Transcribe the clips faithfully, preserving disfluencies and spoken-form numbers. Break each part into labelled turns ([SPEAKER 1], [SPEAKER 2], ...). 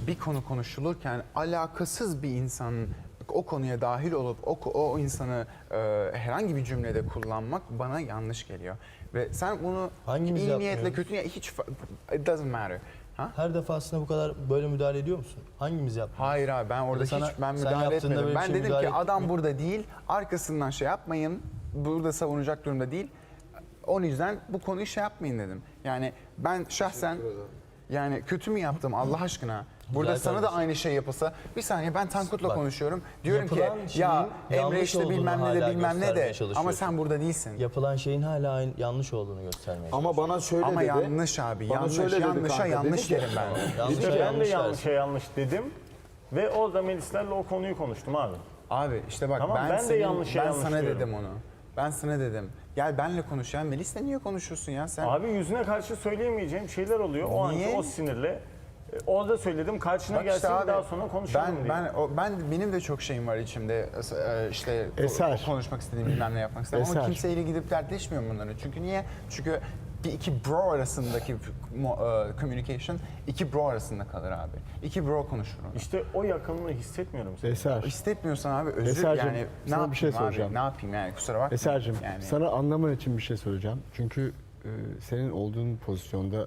[SPEAKER 1] bir konu konuşulurken alakasız bir insanın o konuya dahil olup o, o insanı e, herhangi bir cümlede kullanmak bana yanlış geliyor. Ve sen bunu
[SPEAKER 2] Hangimiz
[SPEAKER 1] iyi niyetle
[SPEAKER 2] yapmıyoruz?
[SPEAKER 1] kötü niyetle hiç fa- it doesn't matter. Ha?
[SPEAKER 2] Her defasında bu kadar böyle müdahale ediyor musun? Hangimiz yapmıyor?
[SPEAKER 1] Hayır abi ben orada
[SPEAKER 2] sana-
[SPEAKER 1] hiç ben
[SPEAKER 2] sen
[SPEAKER 1] müdahale
[SPEAKER 2] yaptığında
[SPEAKER 1] etmedim.
[SPEAKER 2] böyle bir
[SPEAKER 1] Ben
[SPEAKER 2] şey
[SPEAKER 1] dedim
[SPEAKER 2] müdahale
[SPEAKER 1] ki
[SPEAKER 2] ettin
[SPEAKER 1] adam
[SPEAKER 2] mi?
[SPEAKER 1] burada değil, arkasından şey yapmayın, burada savunacak durumda değil. O yüzden bu konuyu şey yapmayın dedim. Yani ben şahsen yani kötü mü yaptım Allah aşkına? Burada
[SPEAKER 2] Güzel
[SPEAKER 1] sana da
[SPEAKER 2] kardeşim.
[SPEAKER 1] aynı şey yapılsa bir saniye ben Tankut'la
[SPEAKER 2] Bak,
[SPEAKER 1] konuşuyorum. Diyorum ki
[SPEAKER 2] yapılan
[SPEAKER 1] ya
[SPEAKER 2] şeyin
[SPEAKER 1] Emre
[SPEAKER 2] yanlış
[SPEAKER 1] işte
[SPEAKER 2] olduğunu
[SPEAKER 1] bilmem ne de
[SPEAKER 2] hala
[SPEAKER 1] bilmem ne
[SPEAKER 2] göstermeye
[SPEAKER 1] de
[SPEAKER 2] çalışıyorsun.
[SPEAKER 1] ama sen burada değilsin.
[SPEAKER 2] Yapılan şeyin hala aynı, yanlış olduğunu göstermeye
[SPEAKER 3] Ama bana şöyle
[SPEAKER 1] Ama
[SPEAKER 3] dedi.
[SPEAKER 1] yanlış abi.
[SPEAKER 3] Bana
[SPEAKER 1] Yanlış.
[SPEAKER 3] şöyle dedi
[SPEAKER 1] Yanlışa
[SPEAKER 3] kanka,
[SPEAKER 1] yanlış
[SPEAKER 3] dedi ki-
[SPEAKER 1] derim ben.
[SPEAKER 2] Yanlış
[SPEAKER 4] İşte ben de
[SPEAKER 2] yanlış
[SPEAKER 4] yanlışa
[SPEAKER 2] dersin.
[SPEAKER 4] yanlış dedim ve orada Melislerle o konuyu konuştum abi.
[SPEAKER 1] Abi işte bak
[SPEAKER 4] Tamam,
[SPEAKER 1] ben,
[SPEAKER 4] ben de
[SPEAKER 1] senin-
[SPEAKER 4] yanlışa
[SPEAKER 1] ben
[SPEAKER 4] yanlış
[SPEAKER 1] sana
[SPEAKER 4] diyorum.
[SPEAKER 1] dedim onu. Ben sana dedim. Gel benle konuş ya. Melis'le niye konuşuyorsun ya sen?
[SPEAKER 4] Abi yüzüne karşı söyleyemeyeceğim şeyler oluyor. O anki
[SPEAKER 1] Niye?
[SPEAKER 4] o sinirle. E, Orada söyledim karşına
[SPEAKER 1] Bak işte
[SPEAKER 4] gelsin
[SPEAKER 1] abi,
[SPEAKER 4] daha sonra konuşalım
[SPEAKER 1] ben,
[SPEAKER 4] diye.
[SPEAKER 1] ben, o, ben benim de çok şeyim var içimde. E, işte ko-
[SPEAKER 5] Eser.
[SPEAKER 1] konuşmak istediğim bilmem ne yapmak istediğim. Ama
[SPEAKER 5] Eser.
[SPEAKER 1] kimseyle gidip dertleşmiyorum bunları. Çünkü niye? Çünkü bir iki bro arasındaki mo- e, communication iki bro arasında kalır abi. İki bro konuşur onu.
[SPEAKER 4] İşte o yakınlığı hissetmiyorum. Sen.
[SPEAKER 5] Eser,
[SPEAKER 1] İstemiyorsan abi özür
[SPEAKER 5] Eser'cim,
[SPEAKER 1] yani ne
[SPEAKER 5] sana
[SPEAKER 1] yapayım
[SPEAKER 5] bir şey
[SPEAKER 1] abi?
[SPEAKER 5] soracağım.
[SPEAKER 1] Ne yapayım yani kusura bakma.
[SPEAKER 5] Eser'cim
[SPEAKER 1] yani.
[SPEAKER 5] sana anlaman için bir şey söyleyeceğim. Çünkü e, senin olduğun pozisyonda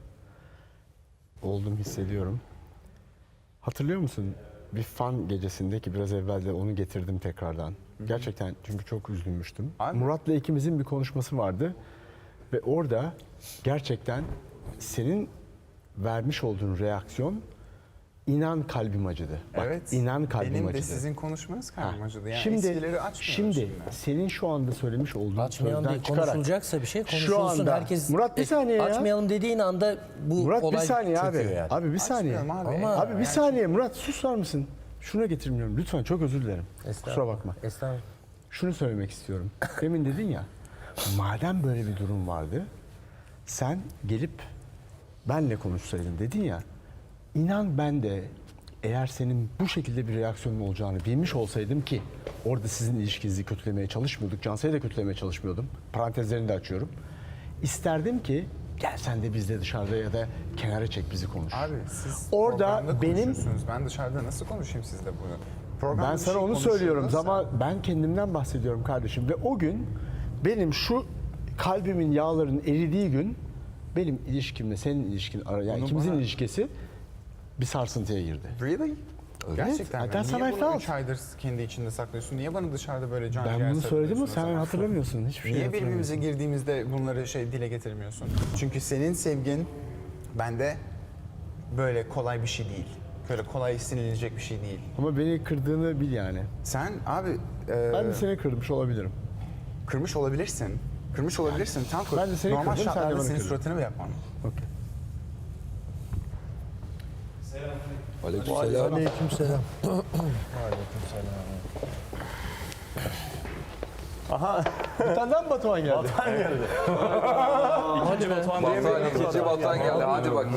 [SPEAKER 5] olduğumu hissediyorum. Hatırlıyor musun? Bir fan gecesinde ki biraz evvel de onu getirdim tekrardan. Gerçekten çünkü çok üzülmüştüm.
[SPEAKER 1] Abi.
[SPEAKER 5] Murat'la ikimizin bir konuşması vardı. Ve orada gerçekten senin vermiş olduğun reaksiyon inan kalbim acıdı. Bak,
[SPEAKER 1] Evet.
[SPEAKER 5] inan kalbim
[SPEAKER 1] benim
[SPEAKER 5] acıdı.
[SPEAKER 1] de sizin konuşmanız kalbim
[SPEAKER 5] Ha,
[SPEAKER 1] acıdı. Yani
[SPEAKER 5] şimdi,
[SPEAKER 1] eskileri açmıyoruz
[SPEAKER 5] şimdi,
[SPEAKER 1] şimdi.
[SPEAKER 5] senin şu anda söylemiş olduğun
[SPEAKER 6] Açmayalım
[SPEAKER 5] sözden
[SPEAKER 6] değil,
[SPEAKER 5] çıkarak
[SPEAKER 6] konuşulacaksa bir şey
[SPEAKER 5] şu
[SPEAKER 6] konuşulsun.
[SPEAKER 5] anda-
[SPEAKER 6] Herkes
[SPEAKER 5] Murat bir saniye ya.
[SPEAKER 6] Açmayalım dediğin anda bu
[SPEAKER 5] Murat bir
[SPEAKER 6] olay
[SPEAKER 5] saniye abi.
[SPEAKER 6] çöküyor yani.
[SPEAKER 5] Abi bir saniye.
[SPEAKER 1] Açmayalım abi.
[SPEAKER 6] Ama-
[SPEAKER 5] Abi bir
[SPEAKER 1] Yani-
[SPEAKER 5] saniye Murat susar mısın? Şuna getirmiyorum lütfen çok özür dilerim. Kusura bakma.
[SPEAKER 6] Estağfurullah.
[SPEAKER 5] Şunu söylemek istiyorum. Demin dedin ya madem böyle bir durum vardı sen gelip benle konuşsaydın dedin ya inan ben de eğer senin bu şekilde bir reaksiyonun olacağını bilmiş olsaydım ki orada sizin ilişkinizi kötülemeye çalışmıyorduk. Cansel'i de kötülemeye çalışmıyordum. Parantezlerini de açıyorum. İsterdim ki gel sen de bizle dışarıda ya da kenara çek bizi konuş.
[SPEAKER 1] Abi siz
[SPEAKER 5] Orada
[SPEAKER 1] programda
[SPEAKER 5] benim-
[SPEAKER 1] konuşuyorsunuz. Ben dışarıda nasıl konuşayım sizle bunu? Programda
[SPEAKER 5] Ben
[SPEAKER 1] bir
[SPEAKER 5] sana
[SPEAKER 1] şey
[SPEAKER 5] onu söylüyorum
[SPEAKER 1] konuşuyorsa-
[SPEAKER 5] ama ben kendimden bahsediyorum kardeşim. Ve o gün benim şu kalbimin yağların eridiği gün benim ilişkimle senin ilişkin ara yani
[SPEAKER 1] Bunu
[SPEAKER 5] ikimizin
[SPEAKER 1] bana-
[SPEAKER 5] ilişkisi bir sarsıntıya girdi.
[SPEAKER 1] Really? Gerçekten
[SPEAKER 5] Evet,
[SPEAKER 1] mi?
[SPEAKER 5] that's how
[SPEAKER 1] Niye
[SPEAKER 5] I
[SPEAKER 1] bunu
[SPEAKER 5] felt.
[SPEAKER 1] üç aydır kendi içinde saklıyorsun? Niye bana dışarıda böyle can
[SPEAKER 5] Ben
[SPEAKER 1] ciğer
[SPEAKER 5] bunu söyledim mi?
[SPEAKER 1] sarılıyorsun o
[SPEAKER 5] Sen
[SPEAKER 1] zaman?
[SPEAKER 5] hatırlamıyorsun. Hiçbir şey
[SPEAKER 1] Niye
[SPEAKER 5] hatırlamıyorsun.
[SPEAKER 1] birbirimize girdiğimizde bunları şey dile getirmiyorsun? Çünkü senin sevgin bende böyle kolay bir şey değil. Böyle kolay sinilecek bir şey değil.
[SPEAKER 5] Ama beni kırdığını bil yani.
[SPEAKER 1] Sen abi e,
[SPEAKER 5] Ben de seni kırmış olabilirim.
[SPEAKER 1] kırmış olabilirsin. Kırmış olabilirsin. Tam
[SPEAKER 5] Ben de seni
[SPEAKER 1] normal
[SPEAKER 5] kırdım, sen de
[SPEAKER 1] şartlarda
[SPEAKER 5] bana
[SPEAKER 1] senin
[SPEAKER 5] kırdın.
[SPEAKER 1] suratını mı yapmam?
[SPEAKER 5] Okey.
[SPEAKER 7] Aleykümselam.
[SPEAKER 6] Aleykümselam.
[SPEAKER 5] Bir tane daha mı Batuhan geldi?
[SPEAKER 6] Hadi be.
[SPEAKER 7] Batuhan, ikinci Batuhan geldi. Hadi bak.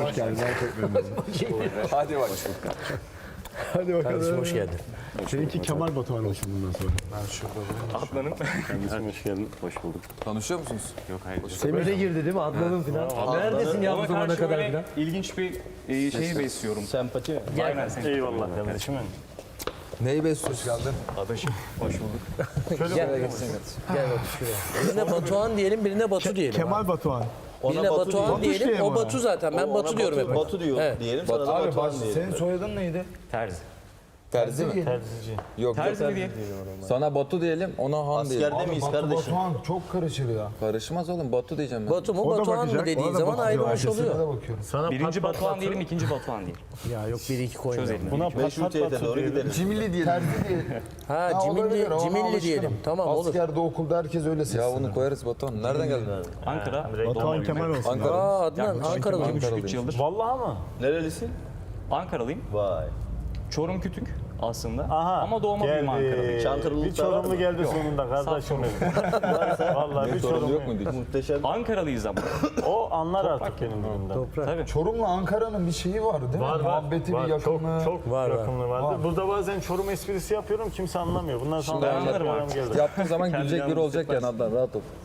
[SPEAKER 7] Hadi bak.
[SPEAKER 5] Hadi bakalım.
[SPEAKER 6] Kardeşim hoş geldin.
[SPEAKER 5] Seninki Kemal Batuhan olsun bundan sonra.
[SPEAKER 4] Kardeşim hoş geldin. Hoş bulduk.
[SPEAKER 7] Tanışıyor musunuz?
[SPEAKER 4] Yok hayır.
[SPEAKER 6] Semih'e girdi değil mi? Adnan'ın falan. Neredesin ya bu
[SPEAKER 8] Ona
[SPEAKER 6] zamana
[SPEAKER 8] karşı
[SPEAKER 6] kadar
[SPEAKER 8] böyle
[SPEAKER 6] falan?
[SPEAKER 8] ilginç bir e, şey besliyorum.
[SPEAKER 2] Sempati mi?
[SPEAKER 8] Aynen sen.
[SPEAKER 4] Eyvallah kardeşim.
[SPEAKER 7] Neyi besliyorsun? Geldin.
[SPEAKER 4] Adaşım. Hoş bulduk.
[SPEAKER 7] Şöyle geçsin.
[SPEAKER 6] Gel bak şuraya. Birine Batuhan diyelim, birine Batu diyelim.
[SPEAKER 5] Kemal Batuhan.
[SPEAKER 6] Birine
[SPEAKER 2] Batu
[SPEAKER 6] Batuhan
[SPEAKER 2] diyor.
[SPEAKER 6] diyelim,
[SPEAKER 5] diye
[SPEAKER 6] o
[SPEAKER 5] mi
[SPEAKER 6] Batu zaten. Ben
[SPEAKER 2] Ona
[SPEAKER 6] Batu diyorum hep.
[SPEAKER 2] Batu diyor
[SPEAKER 6] Evet.
[SPEAKER 2] diyelim sana da
[SPEAKER 3] Abi
[SPEAKER 2] Batuhan
[SPEAKER 3] bak,
[SPEAKER 2] diyelim.
[SPEAKER 3] senin soyadın neydi?
[SPEAKER 4] Terzi.
[SPEAKER 7] Terzi mi?
[SPEAKER 4] Terzici.
[SPEAKER 7] Yok
[SPEAKER 8] Terzi
[SPEAKER 7] yok.
[SPEAKER 8] mi diye?
[SPEAKER 7] Sana Batu diyelim, ona Han diyelim.
[SPEAKER 2] Askerde miyiz
[SPEAKER 3] Batu
[SPEAKER 2] kardeşim?
[SPEAKER 3] Batuhan çok karışır ya.
[SPEAKER 7] Karışmaz oğlum, Batu diyeceğim ben.
[SPEAKER 6] Batu mu
[SPEAKER 5] O da
[SPEAKER 6] Batuhan
[SPEAKER 5] bakacak,
[SPEAKER 6] mı dediğin
[SPEAKER 5] ona da
[SPEAKER 6] zaman
[SPEAKER 5] bakacak.
[SPEAKER 6] ayrılmış
[SPEAKER 3] Herkese
[SPEAKER 6] oluyor.
[SPEAKER 3] de bakıyorum.
[SPEAKER 4] Sana
[SPEAKER 8] Birinci
[SPEAKER 4] pat pat
[SPEAKER 8] Batuhan
[SPEAKER 4] Batu.
[SPEAKER 8] diyelim, ikinci Batuhan diyelim.
[SPEAKER 6] Ya yok bir iki koymayalım.
[SPEAKER 4] Buna pat
[SPEAKER 2] Meşrutiyete
[SPEAKER 4] pat
[SPEAKER 2] doğru
[SPEAKER 4] Batu diyelim.
[SPEAKER 2] gidelim.
[SPEAKER 3] Cimilli diyelim. Terzi diye.
[SPEAKER 6] Ha
[SPEAKER 3] Ha, olabilir,
[SPEAKER 6] Cimilli,
[SPEAKER 3] ona
[SPEAKER 6] Cimilli
[SPEAKER 3] alışkınım.
[SPEAKER 6] diyelim. Tamam olur.
[SPEAKER 3] Askerde, okulda herkes öyle
[SPEAKER 7] Ya
[SPEAKER 3] sesleniyor.
[SPEAKER 7] bunu koyarız Batuhan. Nereden geldin?
[SPEAKER 8] Ankara.
[SPEAKER 5] Batuhan Kemal olsun.
[SPEAKER 7] Ankara.
[SPEAKER 6] Aa Adnan Ankara'lı.
[SPEAKER 7] Ankaralıyım.
[SPEAKER 8] üç yıldır.
[SPEAKER 4] Vallahi mı?
[SPEAKER 2] Nerelisin?
[SPEAKER 8] Ankaralıyım.
[SPEAKER 2] Vay.
[SPEAKER 8] Çorum Kütük aslında.
[SPEAKER 4] Aha.
[SPEAKER 8] Ama doğma büyüme Ankaralıyım.
[SPEAKER 2] Çankırılıkta
[SPEAKER 4] Bir Çorumlu
[SPEAKER 2] var mı?
[SPEAKER 4] geldi sonunda kardeşim benim. Vallahi bir
[SPEAKER 7] Sorun
[SPEAKER 4] Çorumlu
[SPEAKER 7] yok muydu?
[SPEAKER 2] Muhteşem.
[SPEAKER 8] Ankaralıyız ama.
[SPEAKER 4] O anlar artık benim durumda.
[SPEAKER 8] Tabii.
[SPEAKER 3] Çorum'la Ankara'nın bir şeyi var değil mi?
[SPEAKER 4] Var var.
[SPEAKER 3] Muhabbeti
[SPEAKER 4] var.
[SPEAKER 3] bir yakınlığı.
[SPEAKER 4] Çok, çok
[SPEAKER 6] Var, var.
[SPEAKER 4] yakınlığı vardı.
[SPEAKER 3] Var.
[SPEAKER 4] Burada bazen Çorum esprisi yapıyorum kimse anlamıyor. Bundan sonra
[SPEAKER 8] Şimdi
[SPEAKER 4] anlarım
[SPEAKER 8] anlarım
[SPEAKER 4] geldi.
[SPEAKER 7] Yaptığın zaman
[SPEAKER 8] Kendi
[SPEAKER 7] gülecek biri
[SPEAKER 8] yalnız
[SPEAKER 7] olacak yani Adnan, rahat ol.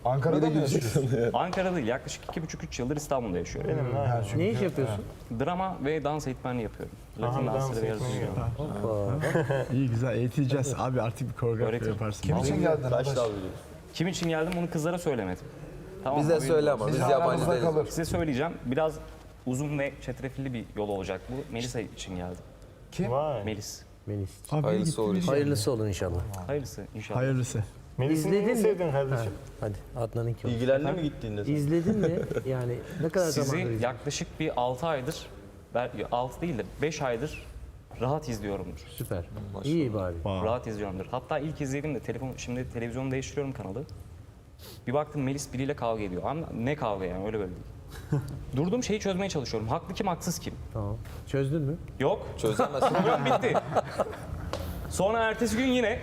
[SPEAKER 3] Ankara'da mı yaşıyorsun?
[SPEAKER 8] Ankara değil, yaklaşık iki buçuk üç yıldır İstanbul'da yaşıyorum.
[SPEAKER 4] Benim ha.
[SPEAKER 9] Ne iş yapıyorsun?
[SPEAKER 8] Drama ve dans eğitmenliği yapıyorum. Latin
[SPEAKER 4] Aha, dans
[SPEAKER 8] dansları ve
[SPEAKER 4] eğitmeni
[SPEAKER 8] yarışıyorum.
[SPEAKER 5] İyi güzel eğiteceğiz. Abi artık bir koreografi
[SPEAKER 8] Öğretim.
[SPEAKER 5] yaparsın.
[SPEAKER 3] Kim için geldin?
[SPEAKER 2] Kaç
[SPEAKER 3] Adaş?
[SPEAKER 2] dal biliyorsun?
[SPEAKER 8] Kim için geldim bunu kızlara söylemedim. Tamam,
[SPEAKER 7] Bize
[SPEAKER 8] haberin
[SPEAKER 7] söyle
[SPEAKER 8] olsun.
[SPEAKER 7] ama biz
[SPEAKER 3] Biz
[SPEAKER 7] yabancı
[SPEAKER 3] aramızda
[SPEAKER 7] değiliz.
[SPEAKER 3] kalır.
[SPEAKER 8] Size söyleyeceğim. Biraz uzun ve çetrefilli bir yol olacak bu. Melisa için geldim.
[SPEAKER 4] Vay.
[SPEAKER 8] Melis.
[SPEAKER 9] Melis.
[SPEAKER 5] Abi
[SPEAKER 7] Hayırlısı
[SPEAKER 5] gittiniz
[SPEAKER 7] olur
[SPEAKER 5] ya.
[SPEAKER 7] inşallah.
[SPEAKER 9] Hayırlısı olun inşallah.
[SPEAKER 8] Hayırlısı inşallah.
[SPEAKER 5] Hayırlısı.
[SPEAKER 4] Melis'in
[SPEAKER 9] İzledin
[SPEAKER 4] neyini
[SPEAKER 9] mi?
[SPEAKER 4] sevdin kardeşim?
[SPEAKER 9] Hadi Adnan'ınki olsun.
[SPEAKER 2] İlgilendi mi gittiğinde sen?
[SPEAKER 9] İzledin mi? Yani ne kadar
[SPEAKER 8] Sizi
[SPEAKER 9] zamandır izledin?
[SPEAKER 8] yaklaşık bir altı aydır, altı değil de beş aydır rahat izliyorumdur.
[SPEAKER 9] Süper. İyi bari.
[SPEAKER 8] Rahat izliyorumdur. Hatta ilk izlediğimde telefon, şimdi televizyonu değiştiriyorum kanalı. Bir baktım Melis biriyle kavga ediyor. Ama ne kavga yani öyle böyle değil. Durduğum şeyi çözmeye çalışıyorum. Haklı kim, haksız kim?
[SPEAKER 9] Tamam. Çözdün mü?
[SPEAKER 8] Yok.
[SPEAKER 7] Çözemezsin.
[SPEAKER 8] Program bitti. Sonra ertesi gün yine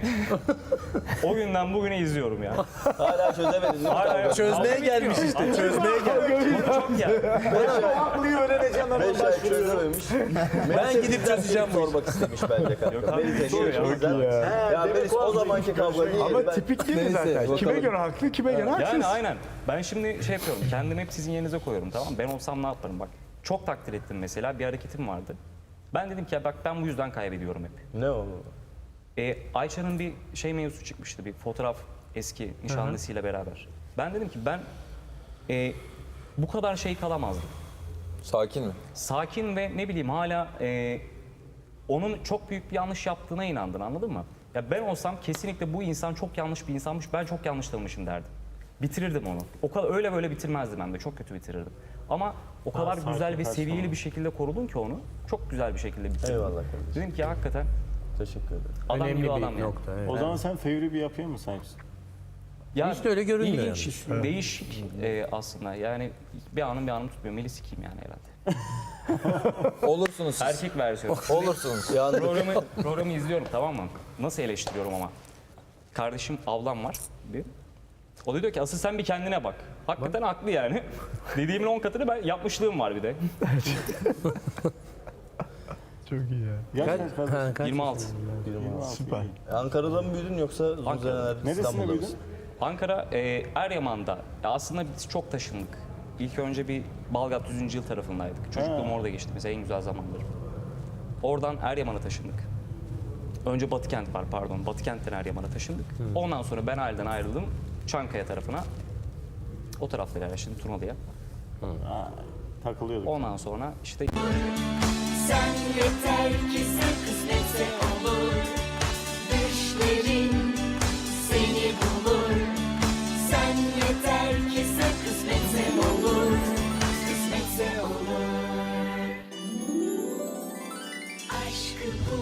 [SPEAKER 8] o günden bugüne izliyorum ya.
[SPEAKER 2] Hala çözemedin değil mi?
[SPEAKER 8] Hala
[SPEAKER 6] Çözmeye
[SPEAKER 8] kavga
[SPEAKER 6] gelmiş
[SPEAKER 8] bitmiyor.
[SPEAKER 6] işte, çözmeye gelmiş.
[SPEAKER 8] Çok ya.
[SPEAKER 4] Haklıyı öğreneceğim ben.
[SPEAKER 2] beş ay çözememiş.
[SPEAKER 6] Ben gidip çözeceğim bu işi.
[SPEAKER 2] Sormak istemiş bence kanka.
[SPEAKER 8] abi,
[SPEAKER 2] Melis
[SPEAKER 8] geçiyor ya.
[SPEAKER 2] yaşıyor ya. Ya Melis o zamanki kavga değil.
[SPEAKER 5] Ama
[SPEAKER 2] Ben-
[SPEAKER 5] tipik değil mi
[SPEAKER 7] Neyse,
[SPEAKER 5] zaten?
[SPEAKER 7] bakalım.
[SPEAKER 5] Kime göre haklı, kime göre haksız.
[SPEAKER 8] Yani aynen. Ben şimdi şey yapıyorum. Kendimi hep sizin yerinize koyuyorum, tamam mı? Ben olsam ne yaparım bak. Çok takdir ettim mesela. Bir hareketim vardı. Ben dedim ki ya bak ben bu yüzden kaybediyorum hep.
[SPEAKER 2] Ne o?
[SPEAKER 8] Ee, Ayça'nın bir şey mevzusu çıkmıştı. Bir fotoğraf eski nişanlısıyla beraber. Ben dedim ki ben e, bu kadar şey kalamazdım.
[SPEAKER 7] Sakin mi?
[SPEAKER 8] Sakin ve ne bileyim hala e, onun çok büyük bir yanlış yaptığına inandın, anladın mı? Ya ben olsam kesinlikle bu insan çok yanlış bir insanmış, ben çok yanlış tanımışım derdim. Bitirirdim onu. O kadar öyle böyle bitirmezdim hem de, çok kötü bitirirdim. Ama o kadar
[SPEAKER 4] sakin,
[SPEAKER 8] güzel ve
[SPEAKER 4] saçma.
[SPEAKER 8] seviyeli bir şekilde korudun ki onu, çok güzel bir şekilde bitirdim.
[SPEAKER 2] Eyvallah kardeşim.
[SPEAKER 8] Dedim ki ya, hakikaten
[SPEAKER 2] Teşekkür ederim.
[SPEAKER 8] adam
[SPEAKER 9] Önemli
[SPEAKER 8] gibi
[SPEAKER 9] bir
[SPEAKER 8] adam yani.
[SPEAKER 9] nokta. Evet.
[SPEAKER 4] O zaman sen fevri bir yapıyor musun sanki?
[SPEAKER 8] Ya,
[SPEAKER 9] Hiç de öyle görünmüyor
[SPEAKER 8] İlginç, değişik e, aslında. Yani bir anım bir anım tutmuyor. Melis kim yani herhalde?
[SPEAKER 7] Olursunuz siz.
[SPEAKER 8] Erkek versiyonu.
[SPEAKER 7] Olursunuz.
[SPEAKER 8] programı, programı izliyorum, tamam mı? Nasıl eleştiriyorum ama. Kardeşim ablam var bir. O da diyor ki asıl sen bir kendine bak. Hakikaten haklı yani. Dediğimin on katını ben yapmışlığım var bir de.
[SPEAKER 5] Çok iyi ya.
[SPEAKER 4] Gerçekten
[SPEAKER 9] Kaç,
[SPEAKER 4] kardeşim.
[SPEAKER 9] ha, kaç
[SPEAKER 8] yirmi altı.
[SPEAKER 9] yaşındasın?
[SPEAKER 5] Süper.
[SPEAKER 2] Ankara'da mı büyüdün yoksa uzun
[SPEAKER 8] Ankara.
[SPEAKER 2] seneler
[SPEAKER 4] Neresinde
[SPEAKER 2] İstanbul'da
[SPEAKER 4] büyüdün?
[SPEAKER 2] mısın?
[SPEAKER 8] Ankara, e, Eryaman'da. Ya aslında biz çok taşındık. İlk önce bir Balgat yüzüncü yıl tarafındaydık. Çocukluğum orada geçti mesela, en güzel zamanlarım. Oradan Eryaman'a taşındık. Önce Batıkent var pardon. Batıkent'ten Eryaman'a taşındık. Ondan sonra ben aileden ayrıldım. Çankaya tarafına. O taraflara yani şimdi Turnalı'ya.
[SPEAKER 4] Ha, takılıyorduk.
[SPEAKER 8] Ondan sonra işte
[SPEAKER 10] Sen yeter ki sen kısmetse olur. Düşlerin seni bulur. Sen yeter ki sen kısmetse olur. Kısmetse olur. Aşkı bul.